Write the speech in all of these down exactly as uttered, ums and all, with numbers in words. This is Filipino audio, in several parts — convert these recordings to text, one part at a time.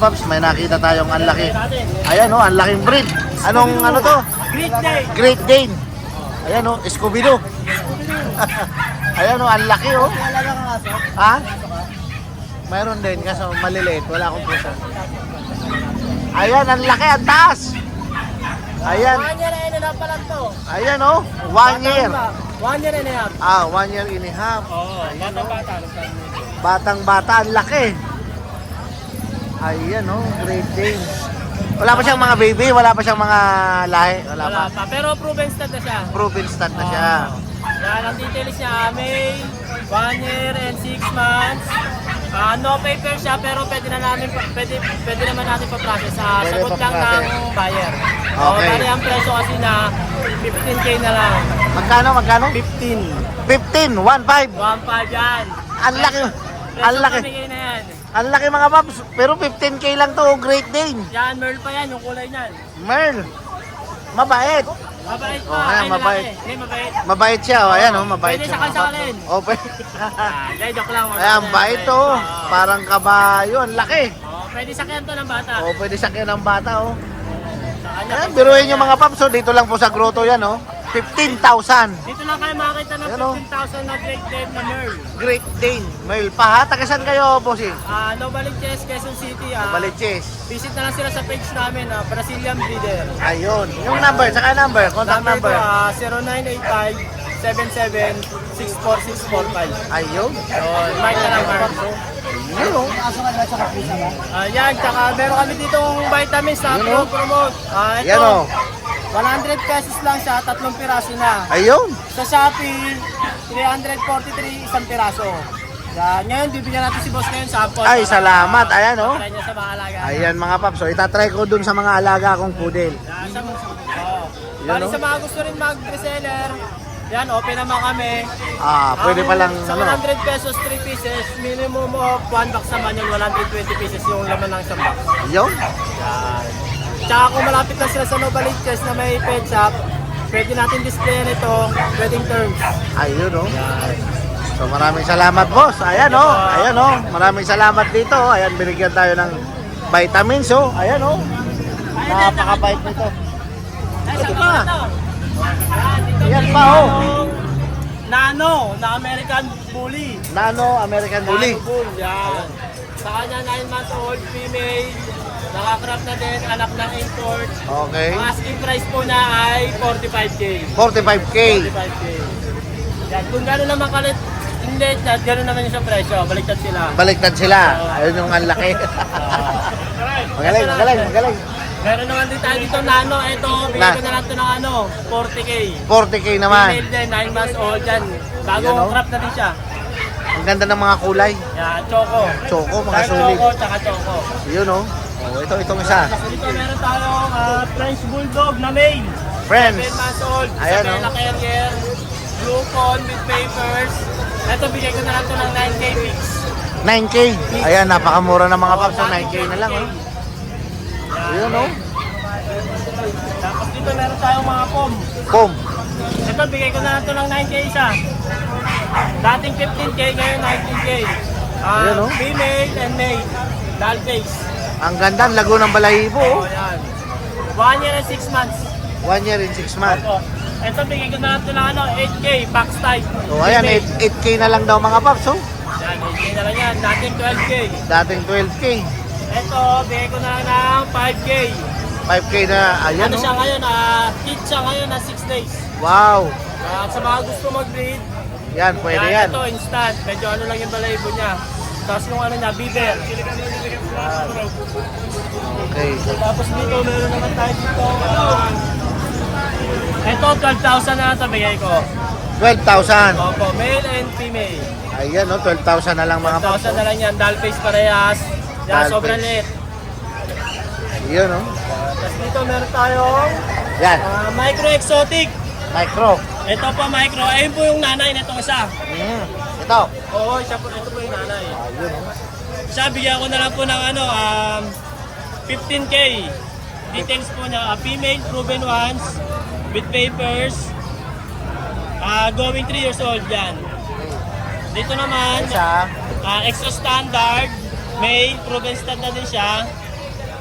paps, may nakita tayong ang laki. Ayan oh, ang laking breed. Anong ano to? Great Day. Great Dane. Ayan oh, Scooby-Doo. Ayan oh, ang laki oh. Alaga ka kaso? Ha? Mayroon din, kaso maliliit. Wala akong pusa. Ayan, ang laki, ang taas. Ayan. One year and a half pa lang to. Ayan oh, one year. One year and a half. Ah, one year and a half. Oo, bata-bata. Batang bata, ang laki. Ayan oh, Great Dane. Wala pa siyang mga baby, wala pa siyang mga lahi. Wala, Wala pa. pa. Pero proven stud na siya. Proven stud na siya. Yan, ang details niya, May, one year and six months. Ah, no paper siya, pero pwede na namin, pwede, pwede naman natin pa-process. Ah, Pwede sagot lang pa-process. ng buyer. Okay. So, bali ang presyo kasi na fifteen K na lang. Magkano, magkano? fifteen. fifteen, one five. one five yan. Ang laki. Ang Presyo laki. pamigay na yan. Ang laki mga paps. Pero fifteen K lang to, Great Dane. Yan, Merl pa yan, yung kulay niyan. Merl. Mabait. Mabait pa. Oh, ayan, Ay, mabait. lalaki. Hindi, mabait. Mabait siya, oh. Ayan oh, mabait Pwede siya. sa kalsakalin. Oh, pwede. Ah, hindi, joke lang. Ayan, bait to. Oo. Parang kabayo, ang laki. Oh, pwede sakyan to ng bata. Oh, pwede sakyan ng bata, oh. Sa kanya, Ayan, biruin nyo mga paps, oh. Dito lang po sa grotto yan, oh. fifteen thousand. Dito lang kayo makakita ng Ayan, oh. fifteen thousand na Great Dane na Merl. Great Dane. Merl pa ha. Tagasan kayo, bossing. Ah, no Balinches, Quezon City. Ah, Baliches. visit na lang sila sa page namin, ah, Brazilian Breeder. Ayun. Yung number, saka number, contact Number number. ko, ah, zero nine eight five, seven seven, six four six four five. Ayun. So, invite na lang kayo. Ayun, oh. Ah, yan, tsaka meron kami ditong vitamins na Yun, oh. promote. Ah, ito, Yan, oh. one hundred pesos lang siya, tatlong piraso na. Ayun. Sa Shopee, three forty-three, isang piraso. Yan, ngayon, bibigyan natin si boss ngayon sample. Ay, salamat. Ayan, oh. Try niya sa mga alaga. Ayan mga paps. So, itatry ko dun sa mga alaga kong poodle. Yan, sa, oh. Yun, Bali oh. sa mga gusto rin mag-reseller, yan, open naman kami. Ah, pwede Ang palang, Sa ano. one hundred pesos, three pieces, minimum of one box naman yung one hundred twenty pieces yung laman ng isang box. Ayun. Yan. Tsaka kung malapit lang sila sa Novaliches na may pet shop, pwede natin displayan ito, wedding terms. Ayun, oh. Yan. So, maraming salamat, boss. Ayan, oh. Ayan, oh. Maraming salamat dito. Ayan, binigyan tayo ng vitamins, oh. Ayan, oh. Napakabait nito. Ay, Ito sa pa. ito. Yan, dito Yan may pa, oh. yung Nano, na American Bully. Nano American Bully. Nano Bull, yan. Sa kanya, nine months old, female. Nakakrap na din, anak ng import. Okay. Ang asking price po na ay forty-five K. forty-five K. forty-five K. Yan, kung gano'n naman kalit, hindi, gano'n naman yung sa presyo, baliktad sila. Baliktad sila. Ayun yung ang laki. Magaling, magaling, magaling. Meron naman din tayo dito nano, ito, bigyan Na. ko na lang ito ng ano, forty K. forty K naman. Female din, nine months old yan. Bagong Yan, oh. crop na din siya. Ang ganda ng mga kulay. Yan, choco. Choco, mga Dark solid. choco, tsaka choco. Yun, oh. Oh, ito, itong isa. Dito meron tayong ah, French Bulldog na male. Friends. seven months old, Ayan, Isabella oh. Carrier, blue con with papers. Ito, bigay ko na lang ito ng nine K mix. nine K. Ayan, napakamura ng mga paps. So, nine K na lang, oh. Yun, oh. Tapos dito meron tayong mga pom. Pom. Ito, bigay ko na lang ito ng nine K isa. Dating fifteen K, ngayon nineteen K. Ah, Ayan, oh. Female and male. Doll face. Ang ganda, ang lago ng balahibo, oh. Oh, yan. One year and six months. One year and six months. Opo. Ito, bigay ko na lang ito ng ano, eight K, box type. So, ayan, Female. eight K na lang daw mga paps, oh. Yan, eight K na lang yan. Dating twelve K. Dating twelve K. Ito, bigay ko na lang ng five K. five K na, ayan, Ano siya oh. ngayon, ah, kit siya ngayon na six days. Wow. At sa mga gusto mag-breed, Yan, pwede yan. ito instant. Medyo ano lang yung balahibo niya. Tapos yung ano niya, beaver. Okay. Tapos dito, meron naman tayo dito. ah, ito, twelve thousand na ito bigay ko. twelve thousand. Opo, male and female. Ayan, no, twelve thousand na lang mga twelve paps. thousand na lang yan, doll face parehas. Yan, Doll sobrang face. liit. Yun, no. Tapos dito, meron tayong Yan, ah, micro exotic. micro. Ito po micro, ayun po yung nanay nitong isa. Mm. Ito. Oo, siya po, ito po yung nanay. Ayun, no. Siya, bigyan ko na lang po ng ano, um, fifteen K. Details po niya, uh, female, proven ones, with papers, uh, going three years old yan. Dito naman, Isa. uh, extra standard, male, proven stud na din siya,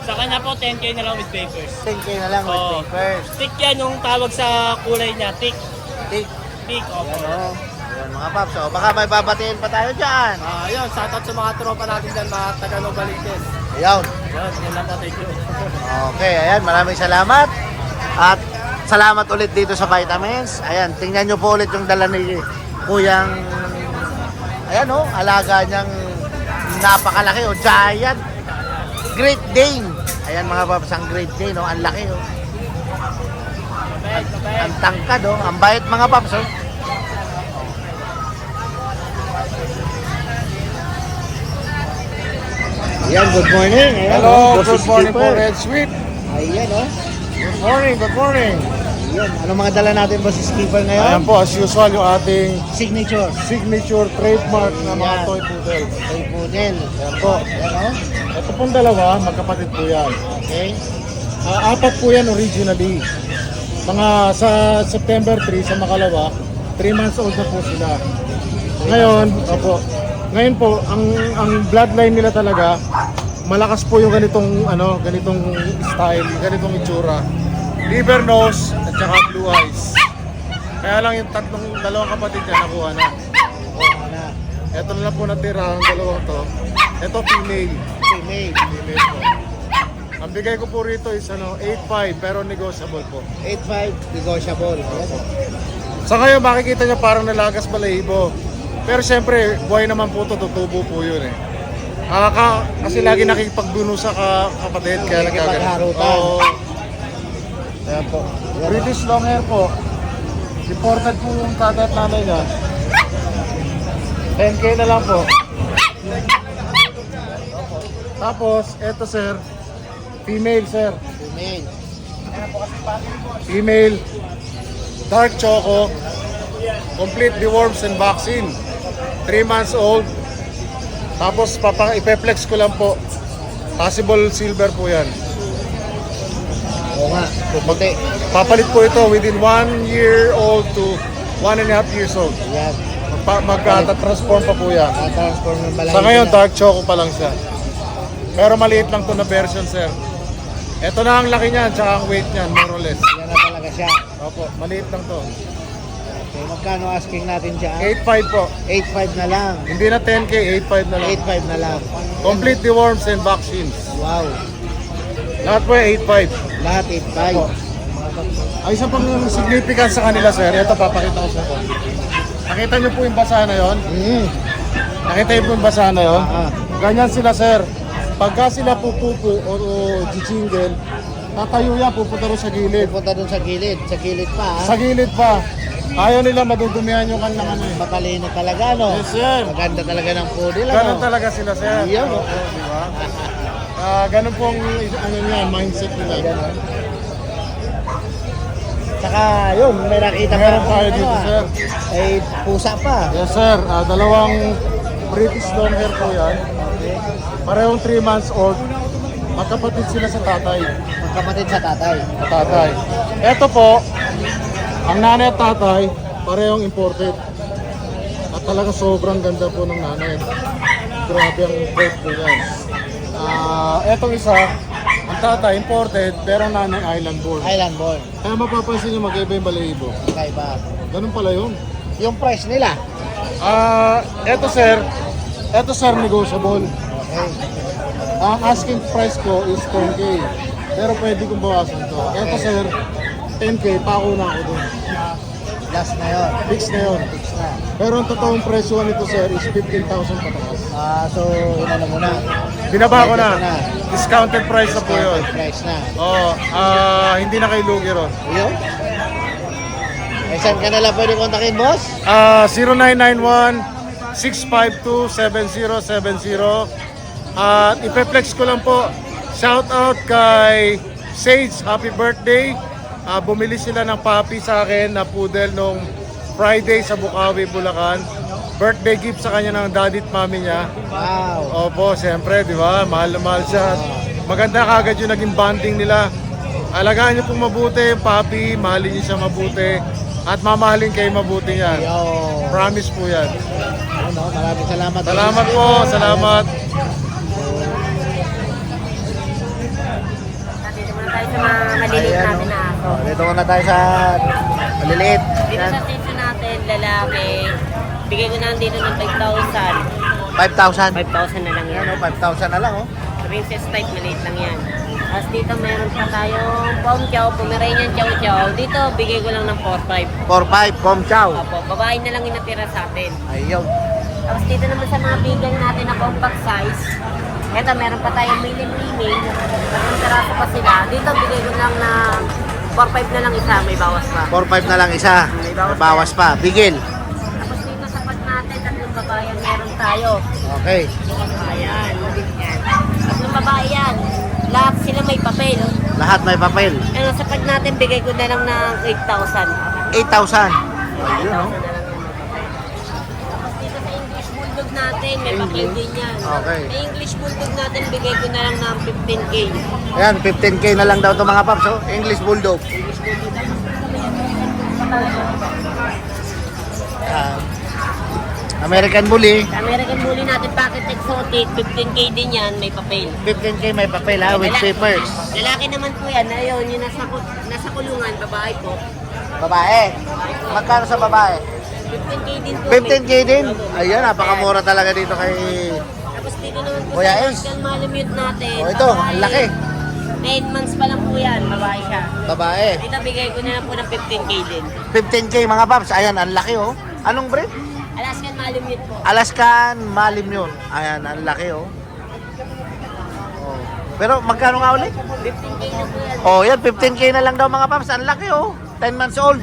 Sa kanya po, ten K na lang with papers. ten K na lang with Oo. papers. Tick yan yung tawag sa kulay niya. Tick. Tick. Tick, opo. Ayan o. Ayan mga paps. So, baka may babatiin pa tayo dyan. Ah, yun, shoutout sa mga tropa natin dyan, mga taga Novaliches. Ayan. Yun, yan lang po, thank you. Okay, ayan. Maraming salamat. At salamat ulit dito sa Vitamins. Ayan, tingnan nyo po ulit yung dala ni Kuyang, ayan o, alaga niyang napakalaki o, giant Great Dane. Ayan mga paps, ang Great Dane o, ang laki o. Kabay, kabay. Ang tangkad o, ang bait mga paps o. Ayan, good morning. Ayan, Hello, o, Boss good morning po, Skipper. Red Sweet. Ayan o. Good morning, good morning. Ayan, ano mga dala natin Boss Skipper Ayan ngayon? po, as usual, yung ating Signature. signature trademark na mga Ayan. toy poodle. Toy Poodle. Ayan po. Ayan o. Ito pong dalawa, magkapatid po yan. Okay. Ah, apat po yan originally. Mga sa September three, sa Makalawa, three months old na po sila. Ngayon, opo, ngayon po, ang ang bloodline nila talaga, malakas po yung ganitong ano, ganitong style, ganitong itsura. Liver nose at saka blue eyes. Kaya lang yung tatlong dalawang kapatid niya nakuha na. Oo na. Ito na lang po natira ang dalawang to. Ito female. Female. Female po. Ang bigay ko po rito is ano, eight five pero negotiable po. eight five negotiable. Ayan. Sa ngayon makikita niya parang nalagas balahibo. Pero siyempre, buhay naman po ito, tutubo po yun eh. Ah, ka, kasi lagi nakikipagduno sa ka, kapatid, kaya nagkagalit. Nakikipagharutan. Oo. Ayan po. Ayan. British long hair po. Imported po yung tatay at nanay niya. ten K na lang po. Tapos, eto sir, female sir. Female. Female, dark choco, complete deworms and vaccine. three months old. Tapos papa ipe-flex ko lang po. Possible silver po yan. Oo nga. Puputi. Papalit po ito within one year old to one and a half years old. Ayan. Magpa- Magka-transform pa po yan. Tatransform ng balay. Sa ngayon, dark choco pa lang siya. Pero maliit lang to na version, sir. Ito na ang laki niyan, tsaka ang weight niyan, more or less. Yan na talaga siya. Opo, maliit lang to. Okay, magkano asking natin siya? eight five po. eight five na lang. Hindi na ten K, eight five na lang. eight five na lang. Complete deworms and vaccines. Wow. Lahat po eight five. Lahat eight five. Opo. Ang isa pang significance sa kanila, sir, ito papakita ko sa ito. Nakita niyo po yung basa na yon? Mm. Nakita niyo po yung basa na yon? Ah, ah. Ganyan sila, sir. Pagka sila pupupo o, o jijingle, tatayo yan, pupunta rin sa gilid. Pupunta dun sa gilid. Sa gilid pa ha. Sa gilid pa. Ayaw nila madudumihan yung kanilang ano eh. Matalino talaga no. Yes, sir. Maganda talaga ng poodle Ganon ano. talaga sila, sir. Iyon, Oo, oh. di ba? Ah, ganun pong ano niya, mindset nila. Ganon. Saka yun, may nakita pa Meron rin tayo ano, dito, ah. sir. Ay pusa pa. Yes, sir. Ah, dalawang British long hair po yan. Okay. Parehong three months old. Magkapatid sila sa tatay. Magkapatid sa tatay. Sa tatay. Ito po, ang nanay at tatay, parehong imported. At talaga sobrang ganda po ng nanay. Grabe ang breed po yan. Ah, etong isa, ang tatay imported, pero ang nanay island born. Island born. Kaya mapapansin nyo mag-iba yung balahibo. Kaiba. Ganun pala yun. Yung price nila. Ah, eto sir, eto sir negotiable. Okay. Ang asking price ko is ten K. Pero pwede kong bawasan to. Eto sir, ten K, pako na ako dun. Last na yun. Fix na yun. Fix na. Pero ang totoong presyo nito sir is fifteen thousand pataas. Ah, so inano mo na. Binaba ko na. Ito na. Discounted price na po yun. Discounted price na. Oo, ah, hindi na kay lugi ron. Yun. Eh, saan ka nalang pwede kontakin, boss? Ah, zero nine nine one, six five two, seven zero seven zero. At ipe-flex ko lang po. Shout out kay Sage, happy birthday. Ah, bumili sila ng puppy sa akin na poodle nung Friday sa Bukawi, Bulacan. Birthday gift sa kanya ng daddy at mami niya. Wow. Opo, siyempre, di ba? Mahal na mahal siya. Maganda kagad yung naging bonding nila. Alagaan niyo pong mabuti yung puppy, mahalin niyo siya mabuti. At mamahalin kayo mabuti yan. Yo. Promise po yan. Ano, maraming salamat. Salamat po, salamat. mga maliliit Ayan, natin oh. na aso. Oh, dito muna tayo sa maliliit. Dito Yan. sa tissue natin, lalaki, bigay ko na lang dito ng five thousand. five thousand. five thousand na lang yan. Yan, oh, five thousand na lang, oh. Princess type, maliit lang yan. Tapos dito meron pa tayong Pom Chow, Pomeranian Chow Chow. Dito, bigay ko lang ng four five. four five, Pom Chow. Opo, babae na lang yung natira sa atin. Ayun. Tapos dito naman sa mga bigay natin na compact size. Eto, meron pa tayong male and female. Tatlong teraso pa sila. Dito, bigay ko lang na four five na lang isa, may bawas pa. four five na lang isa. May bawas May bawas pa. Bigil. Tapos dito sa pag natin, tatlong babayan meron tayo. Okay. Ayan, yan. Tatlong babae yan. Lahat sila may papel. Lahat may papel. Ano, sa pag natin, bigay ko na lang ng eight thousand. eight thousand. eight Ayun, oh. thousand na lang yung papel. Tapos dito sa English Bulldog natin, may papel din yan. Okay. Sa English Bulldog natin, bigay ko na lang ng fifteen K. Ayan, fifteen K na lang daw to mga paps, oh. English Bulldog. Ah, American Bully. Sa American Bully natin, Pocket Exotic, fifteen K din yan, may papel. fifteen K may papel, ha, with Lalaki- papers. Lalaki naman po yan, ayun, yung nasa, ku- nasa kulungan, babae po. Babae. Magkano sa babae? fifteen K din po. fifteen K may- din. Opo. Ayan, napakamura talaga dito kay... Tapos dito naman po Kuya sa Ace. Pascal Malamute natin. Oh, ito, babae. ang laki. nine months pa lang po yan, babae siya. Babae. Dito bigay ko na lang po ng fifteen K din. fifteen K mga paps. Ayan, ang laki, oh. Anong breed? Alaskan Malamute po. Alaskan Malim yun. Ayan, ang laki, oh. Oh. Pero magkano nga ulit? fifteen K na po yan. Oh, yan, fifteen K na lang daw mga paps. Ang laki, oh. ten months old.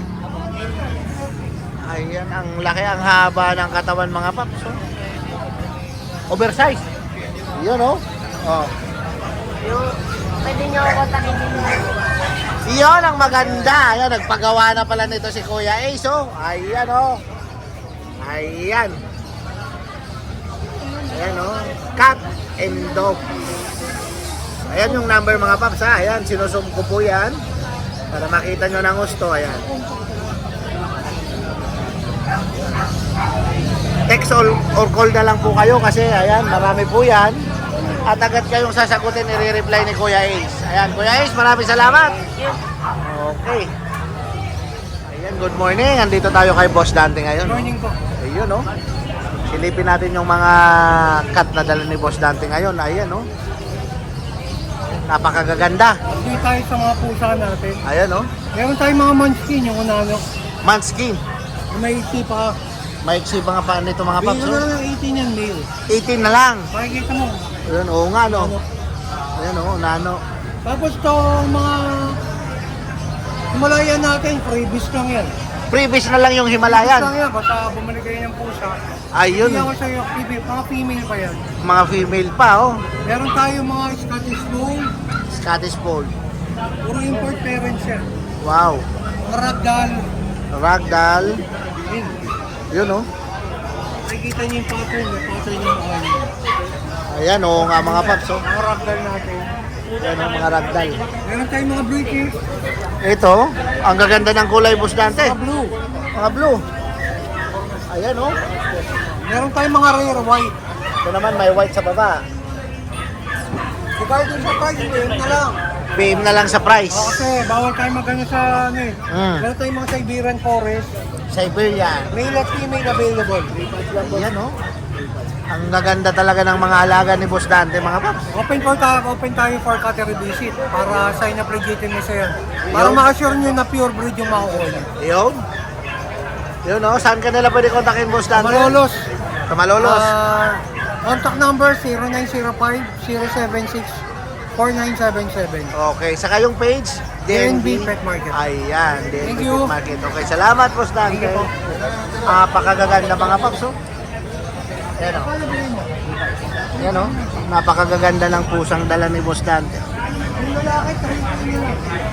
Ayan, ang laki, ang haba ng katawan mga paps, oh. Oversize. Yun, oh. Oh. Yung, pwede nyo ako kontakin din. Iyon ang maganda. Ayan, nagpagawa na pala nito si Kuya Ace, oh. Ayan, oh. Ayan. Ayan, oh. Cat and dog. Ayan yung number mga paps, ha. Ayan, sinusum ko po yan. Para makita nyo ng gusto. Ayan. Text or, or call na lang po kayo kasi ayan, marami po yan. At agad kayong sasagutin, i-reply ni Kuya Ace. Ayan, Kuya Ace, maraming salamat. Okay. Ayan, good morning. Andito tayo kay Boss Dante ngayon. Good morning po. Ayun, oh. Silipin natin yung mga cut na dala ni Boss Dante ngayon. Ayan, oh. Napakagaganda. Hindi tayo sa mga pusa natin. Ayan, oh. Meron tayong mga munchkin, yung unano. Manskin. May iti pa. Maiksi pa nga pa nito mga paps, Bigyan ko na oh. lang ng eighteen yan, male. eighteen na lang. Pakikita mo. Ayan, oo nga, no. Ano. Ayan, oh, nano. Tapos to mga Himalayan natin, freebies lang yan. Previous na lang yung Freebies Himalayan. lang yan, basta bumalik kayo ng pusa. Ayun, Hindi ako sa'yo, female, mga female pa yan. mga female pa, oh. Meron tayo mga Scottish Fold, Scottish Fold. puro import parents yan. Wow. Mga ragdoll. Ragdoll. Yun. Yun, oh. Nakikita niyo yung pattern, yung pattern yung mga yun. Ayan, oo nga mga paps, oh. Mga ragdoll natin. Ayan, oh, mga ragdoll. Meron tayong mga British, Ito, ang gaganda ng kulay, Boss Dante. mga blue. Mga blue. Ayan, oh. Meron tayong mga rare white. Ito naman, may white sa baba. Regarding sa price, yun na lang. B M na lang sa price. O, kasi bawal tayo magano sa ano eh. Mm. Meron tayong mga Siberian Forest. Siberian. Male at female available. Ayan, oh. Ang gaganda talaga ng mga alaga ni Boss Dante, mga paps. Open for tayo, open tayo for cattery visit para sign up legitimacy yan. Para Yun. ma-assure nyo na pure breed yung makukuha nyo. Yun. Yun, oh. Saan ka nila pwede kontakin, Boss Dante? Malolos. Sa Malolos. Ah, contact number zero nine zero five zero seven six four nine seven seven. Okay, sa kayong page, D N B Pet Market. Ayan, D N Thank B you. Pet Market. Okay, salamat, Boss Dante. Thank you po. Napakagaganda mga paps, oh. Ayan, oh. Ayan, oh. Napakagaganda ng pusang dala ni Boss Dante. Yung lalaki, three nila.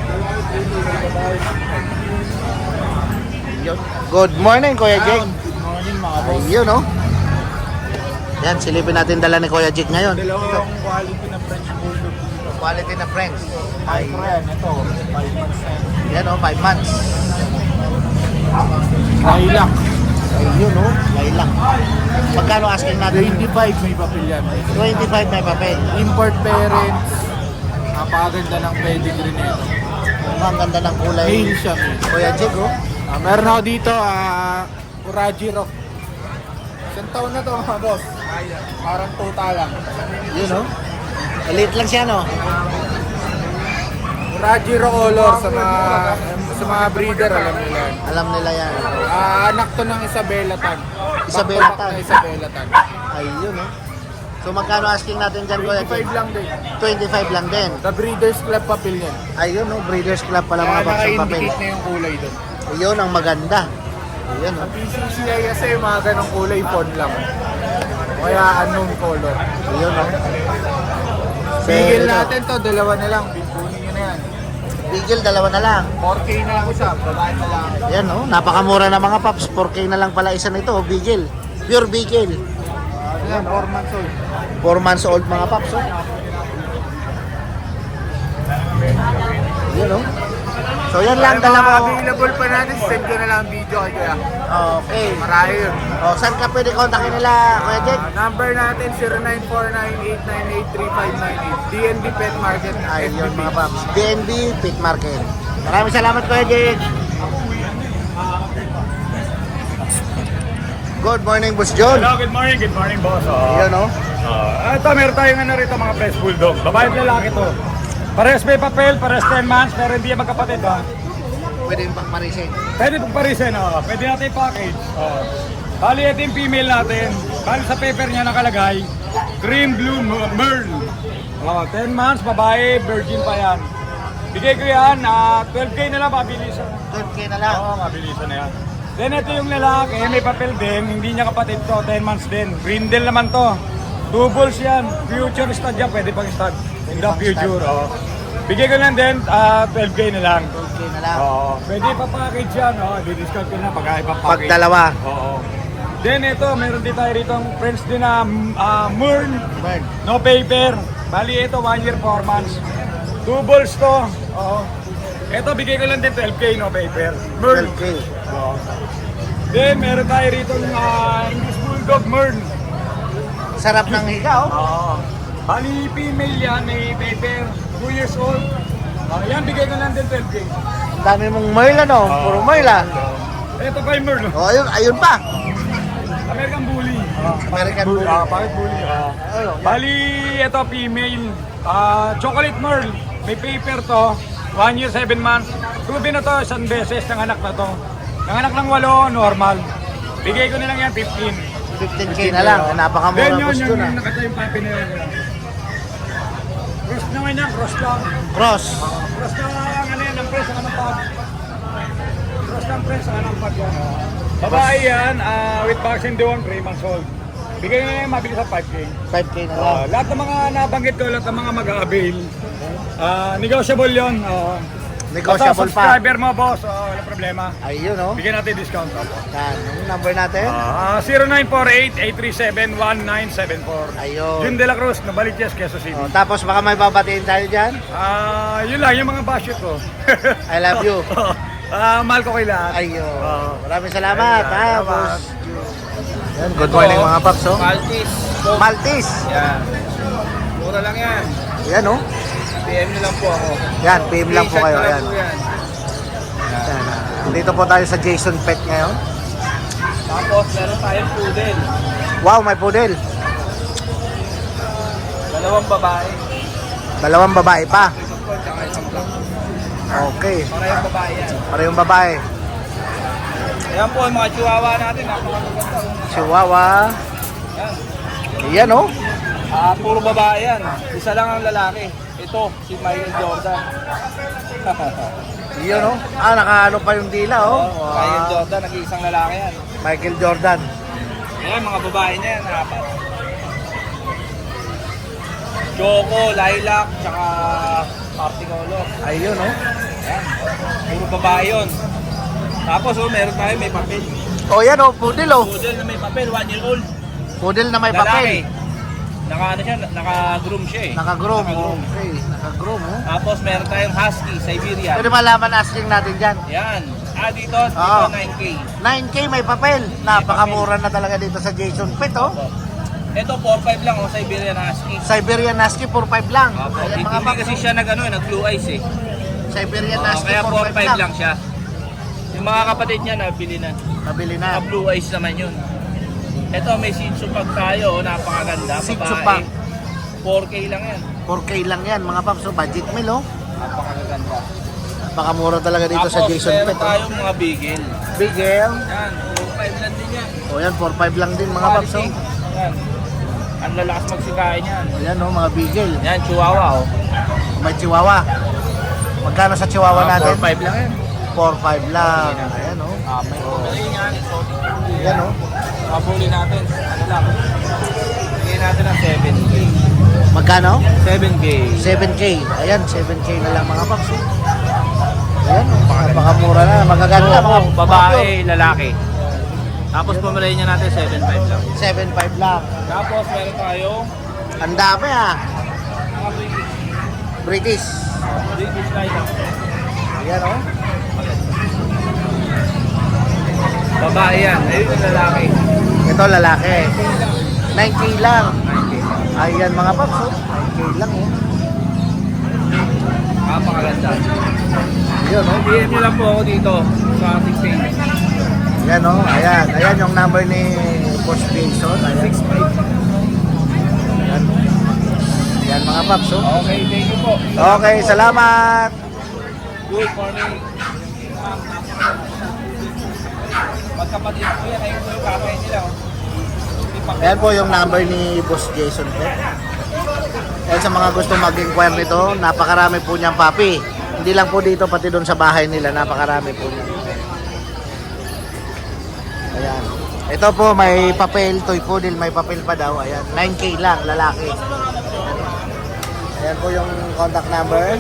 Yun. Good morning, Kuya Jake. Good morning mga boss. Ayun, oh. Yan, silipin natin dala ni Kuya Jake ngayon. Dalawang quality na French Bulldog. Quality na friends. Ay, friend, ito, five months na. Yan, oh, five months. Lilac. Ayun, oh, lilac. Magkano asking natin? twenty-five may papel yan. twenty-five may papel. Import parents. Napakaganda ng pedigree nito. Ang ganda ng kulay. Male siya. male. Kuya Jig, oh. Ah, meron ako dito, ah, Uraji Rock. Isang taon na to mga boss. Parang tuta lang. Yun, oh. Elite lang siya, no? Uraji Rock Color sa mga, sa mga breeder, alam nila yan. Alam nila yan. Ah, anak to ng Isabela Tan. Isabela Back-to-back Tan. na Isabela Tan. Ayun, oh. So, magkano asking natin dyan, Kuya Jig? twenty-five lang din. twenty-five lang din. The Breeders Club papel yan. Ayun, oh. Breeders Club pala mga Kaya box ng papel. naka-indicate na yung kulay doon. Ayun, ang maganda. Ayun, Sa oh. P C C I kasi yung mga ganong kulay phone lang. Kaya unknown color. Ayun, oh. Bigil Pero, natin to, dalawa na lang. Bigkunin nyo na yan. Bigil, dalawa na lang. four K na ako siya, babae na lang. Ayan, oh. Napakamura na mga paps. four K na lang pala isa nito, oh. Bigil. Pure Bigil. Ayan, four months old. four months old mga paps, oh. Yun, oh. So, yan lang, Ay, mga dalawa. available pa natin, send ko na lang ang video kay Kuya. Okay. Marami yun. O, saan ka pwede kontakin nila, Kuya Jake? Ah, number natin zero nine four nine eight nine eight three five nine eight. D N B Pet Market. Ayun, mga paps. D N B Pit Market. Maraming salamat, Kuya Jake. Good morning, Boss John. Hello, good morning, good morning boss. Oh. Ayun, oh. Uh, ito, meron tayong ano rito mga French Bulldog. Babae at lalaki to. Pares may papel, pares ten months, pero hindi yan magkapatid ha. Pwede yung pakparisin. Pwede pong parisin, oh. Pwede natin i-package. Oh. Bali, ito yung female natin. Bali sa paper niya nakalagay, cream blue Mer- merl. Oh, ten months, babae, virgin pa yan. Bigay ko yan, ah, twelve K na lang, mabilisan. twelve K na lang. Oo, mabilisan na yan. Then ito yung lalaki, may papel din, hindi niya kapatid to, ten months din. Brindle naman to. Two bulls yan, future stud yan, pwede pang stud. In the pang future, stud. oh. Bigay ko lang din, ah, twelve K na lang. twelve K na lang. Oo, pwede pa-package yan, oh. Di-discount ko na pag Pag ipa-package. dalawa. Oo. Then ito, meron din tayo rito ang friends din na uh, Mern, Burn. no paper. Bali ito, one year, four months. Two balls to. Oo. Ito, bigay ko lang din twelve K, no paper. Mern. twelve K. Oo. Then, meron tayo rito ng uh, English Bulldog Mern. Sarap ng higa, oh. Oo. Bali, female yan, may paper. two years old. Uh, yan, bigay ko lang din twelve K. Ang dami mong Merl, ano? Puro Merl, ah. Ito pa yung Mern. no? O, ayun, ayun pa. American Bully. American Bully. Ah, bakit Bully? Ah. Bali, ito female. Ah, chocolate Merl. May paper to. One year, seven months. Proven na to, isang beses ng anak na to. Ng anak ng walo, normal. Bigay ko nilang yan, fifteen. fifteen K na lang. Then Napakamura, yun, Boss yung, John, ah. yung nakata yung papi na yan. Cross naman yan, cross lang. Cross. Cross na ano yan, ang press, ang pag. Cross ng press, ang pag yan. Babae yan, ah, with vaccine doon, three months old. Bigay na yan, mabilis sa five K. five K na lang. Ah, lahat ng mga nabanggit ko, lahat ng mga mag-avail, ah, negotiable yun. Uh, Negotiable pa. subscriber mo, boss, uh, wala problema. Ayun, oh. Bigyan natin discount. Opo. Yan. Yung number natin. Ah, zero nine four eight, eight three seven, one nine seven four. Ayun. Jun De La Cruz, Nabaliches, Quezon City. Oh, tapos baka may babatiin tayo dyan. Ah, yun lang, yung mga basket ko. I love you. Ah, mahal ko kay lahat. Ayun. Oo. Maraming salamat, Ayun, ha, salamat. boss. Yan, good morning mga paps, oh. Maltese. Maltese. Yan. Mura lang yan. Yan, oh. P M nyo lang po ako. Yan, P M lang po T-shirt kayo. na lang Yan. po yan. Yan, ah. Dito po tayo sa Jason Pet ngayon. Tapos meron tayong poodle. Wow, may poodle. Dalawang babae. Dalawang babae pa. Isang po, tsaka isang black. Okay. Parehong babae yan. Parehong babae. Ayan po ang mga chihuahua natin. Napakaganda. Chihuahua. Yan. Yan, oh. Ah, puro babae yan. Isa lang ang lalaki. Ito, si Michael Jordan. Yan, oh. Ah, nakaano pa yung dila, oh. Oh, Michael Wow. Jordan, nag-iisang lalaki yan. Michael Jordan. Ayan, mga babae niya yan. Apat. Choco, Lilac, tsaka Party Color. Ayun, oh. Ayan. Puro babae yun. Tapos, oh, meron tayo may papel. Oh, yan, oh. Poodle, oh. Poodle na may papel, one year old. Poodle na may Lalaki. papel. Naka, ano siya, naka-groom siya eh. Naka-groom. Naka-groom. Okay. Naka-groom, oh. Tapos, meron tayong Husky, Siberian. Pwede malaman asking natin dyan. Yan. Ah, dito, dito Oo. nine K. nine K may papel. Napakamura na talaga dito sa Jason Pet, oh. Ito, four five lang, oh, Siberian Husky. Siberian Husky, four five lang. Opo, Ayan, hindi mga paps, kasi siya nag, ano, nag blue eyes eh. Siberian Oo, Husky, kaya four four five five lang. lang siya. Yung mga kapatid niya, nabili na. Nabili na. Mga blue eyes naman yun. Ito, may Shih Tzu pag tayo, oh, napakaganda. Shih Tzu babae. pug. four K lang yan. four K lang yan mga paps. So, budget meal, oh. Napakaganda. Napakamura talaga dito sa Jason meron Pet. Oh. tayong mga bigel. Bigel. Yan, four five lang din yan. O yan, four five lang din mga paps. Oh. Yan. Ang lalakas magsikain yan. Ayan, oh, mga bigel. Yan, Chihuahua, oh. May Chihuahua. Magkano sa Chihuahua natin? four five lang yan. four five lang. Ayan, oh. Ah, may pumili yan. Ayan, oh. Pabuli natin. Ano lang? Bigyan natin ng seven K. Magkano? seven K. seven K. Ayan, seven K na lang mga paps. Oh. Ayan, oh. Napakamura na. Magaganda mga Oo, babae, lalaki. Tapos pumili niya natin seven five lang. seven five lang. Tapos meron tayo Ang dami ah. mga British. British. British Lion. Ayan, oh. Babae yan. Ayun yung lalaki. Ito lalaki. nine K lang. nine K. Ayan mga paps, oh. nine K lang, oh. Napakaganda. Ayan, oh. P M nyo lang po ako dito sa ating page. Ayan, oh. Ayan. Ayan yung number ni Boss Jason. Ayan. six five. Ayan. Ayan mga paps, oh. Okay, thank you po. Okay, salamat. Good morning. Magkapatid po yan. Ayun po yung kakay nila. oh. Ayan po yung number ni Boss Jason Pet. Ayan sa mga gusto mag-inquire nito, napakarami po niyang papi. Hindi lang po dito, pati doon sa bahay nila, napakarami po niya. Ayan. Ito po, may papel, toy poodle, may papel pa daw. Ayan, nine K lang, lalaki. Ayan po yung contact number.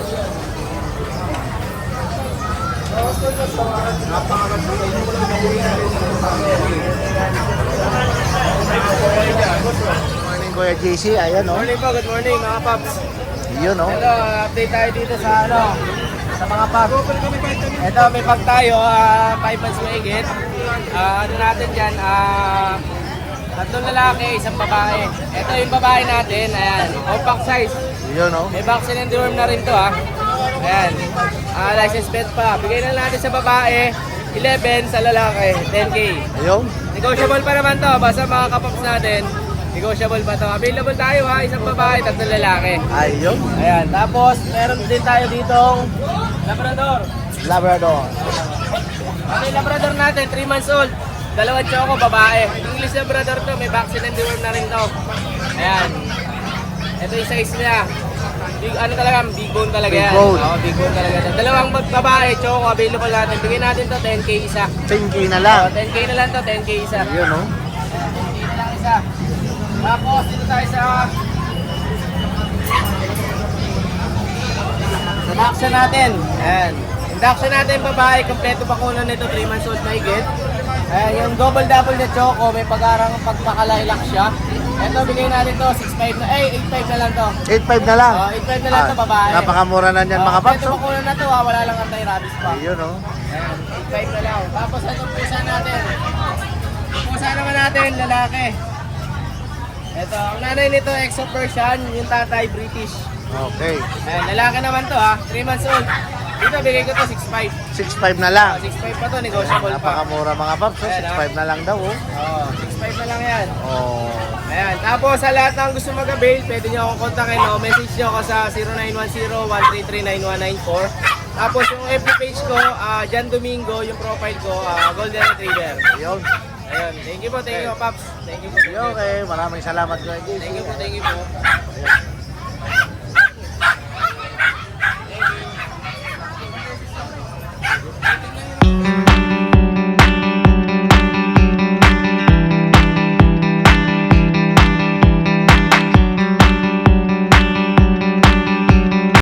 Good morning, Kuya J C. Ayan, oh. Morning po, good morning mga paps. Yun, oh. Hello, update tayo dito sa ano, sa mga pag. Ito, may pag tayo, ah, five months mahigit. Ah, ano natin dyan, ah, tatlong lalaki, isang babae. Ito yung babae natin, ayan, compact size. Yun, oh. May vaccine and deworm na rin to, ha. Ayan, ah, license plate pa. Bigay na natin sa babae, eleven, sa lalaki, ten K. Ayun. Negotiable pa naman to, basta mga kapaps natin, negotiable pa to. Available tayo ha, isang babae, tatlong lalaki. Ayun. Ayan, tapos meron din tayo ditong Labrador. Labrador. Ano yung Labrador natin, three months old. Dalawang choco, babae. English Labrador to, may vaccine and deworm na rin to. Ayan. Ito yung size niya. Big, ano talaga, big bone talaga Big yan. bone. Oo, big bone talaga. to. Dalawang mag- babae, choco, available natin. Bigyan natin to, ten K isa. ten K na lang. Oh, ten K na lang to, ten K isa. Yun, oh. ten K na lang isa. Tapos dito tayo sa induction natin. Ayan. Induction natin babae, kompleto bakuna nito, three months old na higit. Ayan, yung double double na choco, may pag-arang pagpakalailak siya. Ito, bigay natin to, six five na, eh, eight five na lang to. eight five na lang. Oh, eight five na lang to, babae. Napakamura na niyan, mga paps, Kompleto oh. bakuna na to, ha, wala lang anti-rabies pa. Ayun, oh. Ayan, eight five na lang. Tapos itong pusa natin. Yung pusa naman natin, lalaki. Ito, ang nanay nito, Exo Persian, yung tatay, British. Okay. Ayan, lalaki naman to ha, three months old. Dito, bigay ko to six five. six five na lang. six five pa to, negotiable pa. Napakamura, mga paps, oh. Ayan, six ah. five na lang daw, oh. Oo, six five na lang yan. Oh. Ayan, tapos sa lahat ng gusto mag-avail, pwede nyo akong kontakin, no? Message nyo ako sa zero nine one zero, one three three, nine one nine four. Tapos yung F B page ko, ah, Jan Domingo, yung profile ko, ah, Golden Retriever. Ayun. Ayun, thank you po, thank you po, Paps. Thank you po. Okay, maraming salamat, Kuya J C. Thank you po, thank you po.